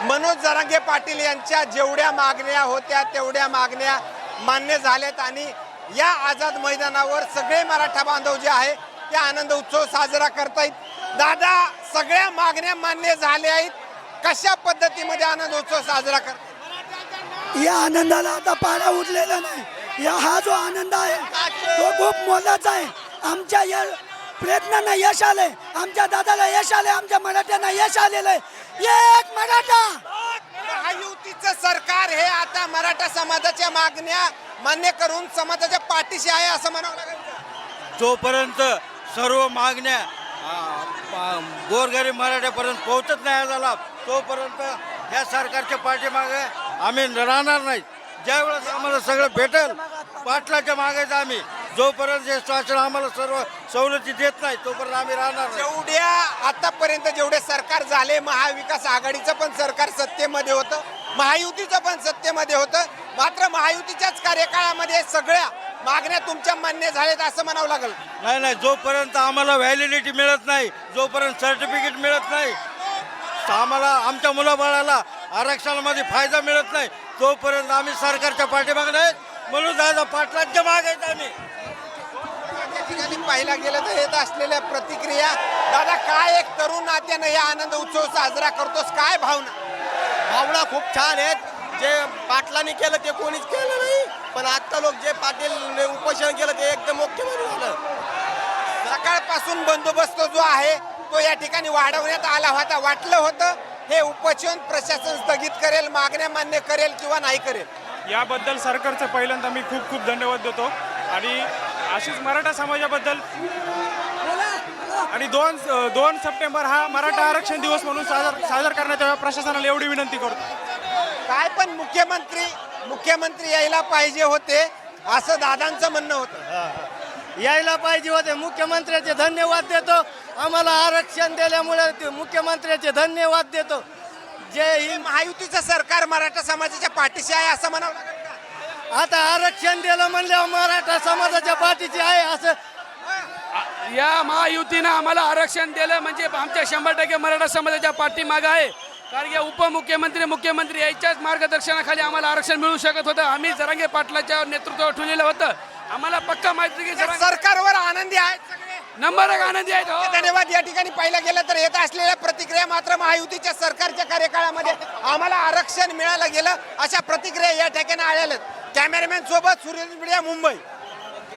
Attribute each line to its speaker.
Speaker 1: मनोज जरांगे पाटील यांच्या जेवढ्या मागण्या होत्या तेवढ्या मागण्या मान्य झाल्यात आणि या आझाद मैदानावर सगळे मराठा बांधव जे आहे ते आनंद उत्सव साजरा करतायत। दादा, सगळ्या मागण्या मान्य झाल्या आहेत, कशा पद्धतीमध्ये आनंद उत्सव साजरा करतात?
Speaker 2: या आनंदाला आता पारा उरलेला नाही। हा जो आनंद आहे तो खूप मोलाचा आहे। आमच्या या प्रयत्नांना यश आले, आमच्या दादाला यश आले, आमच्या मराठ्यांना यश आलेलं आहे। एक मराठा
Speaker 1: महायुतीचं सरकार हे आता मराठा समाजाच्या मागण्या मान्य करून समाजाच्या पाठीशी आहे असं म्हणावं लागेल।
Speaker 3: जोपर्यंत सर्व मागण्या गोरगरीब मराठ्यापर्यंत पोहोचत नाही झाला तोपर्यंत ह्या सरकारच्या पाठीमागे आम्ही राहणार नाही। ज्यावेळेस आम्हाला सगळं भेटेल पाटलाच्या मागायचं आम्ही, जोपर्यंत हे शासन आम्हाला सर्व सवलती देत नाही तोपर्यंत आम्ही राहणार नाही।
Speaker 1: जेवढ्या आतापर्यंत जेवढे सरकार झाले, महाविकास आघाडीचं पण सरकार सत्तेमध्ये होतं, महायुतीचं पण सत्तेमध्ये होतं, मात्र महायुतीच्याच कार्यकाळामध्ये सगळ्या मागण्या तुमच्या मान्य झाल्यात असं म्हणावं लागेल।
Speaker 3: नाही, जोपर्यंत आम्हाला व्हॅलिडिटी मिळत नाही, जोपर्यंत सर्टिफिकेट मिळत नाही, आम्हाला आमच्या मुलाबाळाला आरक्षणामध्ये फायदा मिळत नाही तोपर्यंत आम्ही सरकारच्या पाठीमागे नाही, म्हणून दादा पाटलांच्या मागे आहेत आम्ही।
Speaker 1: त्या ठिकाणी पाहिला गेलं तर येत असलेल्या प्रतिक्रिया, दादा काय एक तरुण नात्यानं हे आनंद उत्सव साजरा करतोस, काय भावना
Speaker 4: खूप छान आहेत। जे पाटलांनी केलं ते कोणीच केलं नाही, पण आता लोक जे पाटील उपोषण केलं ते एकदम मुख्यमंत्री झालं।
Speaker 1: सकाळपासून बंदोबस्त जो आहे तो या ठिकाणी वाढवण्यात आला होता, वाटलं होतं हे उपोषण प्रशासन स्थगित करेल, मागण्या मान्य करेल किंवा नाही करेल।
Speaker 5: याबद्दल सरकारचं पहिल्यांदा मी खूप खूप धन्यवाद देतो आणि अशीच मराठा समाजाबद्दल आणि 2 सप्टेंबर हा मराठा आरक्षण दिवस म्हणून साजरा करण्यात यावा प्रशासनाला एवढी विनंती करतो।
Speaker 1: काय पण मुख्यमंत्री यायला पाहिजे होते असं दादांचं म्हणणं होतं।
Speaker 4: यायला पाहिजे होते, मुख्यमंत्र्याचे धन्यवाद देतो। आम्हाला आरक्षण दिल्यामुळे मुख्यमंत्र्याचे धन्यवाद देतो। जय हिंद।
Speaker 1: महायुतीचं सरकार मराठा समाजाच्या पाठीशी आहे असं म्हणावं लागेल का?
Speaker 4: आता आरक्षण दिलं म्हणल्यावर मराठा समाजाच्या पाठीची आहे असं
Speaker 6: या महायुतीनं आम्हाला आरक्षण दिलं म्हणजे आमच्या 100% मराठा समाजाच्या पाठीमागं आहे। कारण की मुख्यमंत्री याच्याच मार्गदर्शनाखाली आम्हाला आरक्षण मिळू शकत होतं। आम्ही जरांगे पाटलाच्या नेतृत्वावर ठेवलेलं होतं। आम्हाला पक्का माहिती की
Speaker 1: सरकारवर आनंदी आहेत सगळे,
Speaker 6: नंबर 1 आनंदी आहेत। हो।
Speaker 1: धन्यवाद। या ठिकाणी पाहिलं गेलं तर येत असलेल्या प्रतिक्रिया मात्र महायुतीच्या सरकारच्या कार्यकाळामध्ये आम्हाला आरक्षण मिळालं गेलं अशा प्रतिक्रिया या ठिकाणी आलेल्या। कॅमेरामॅन सोबत सूर्य मीडिया, मुंबई।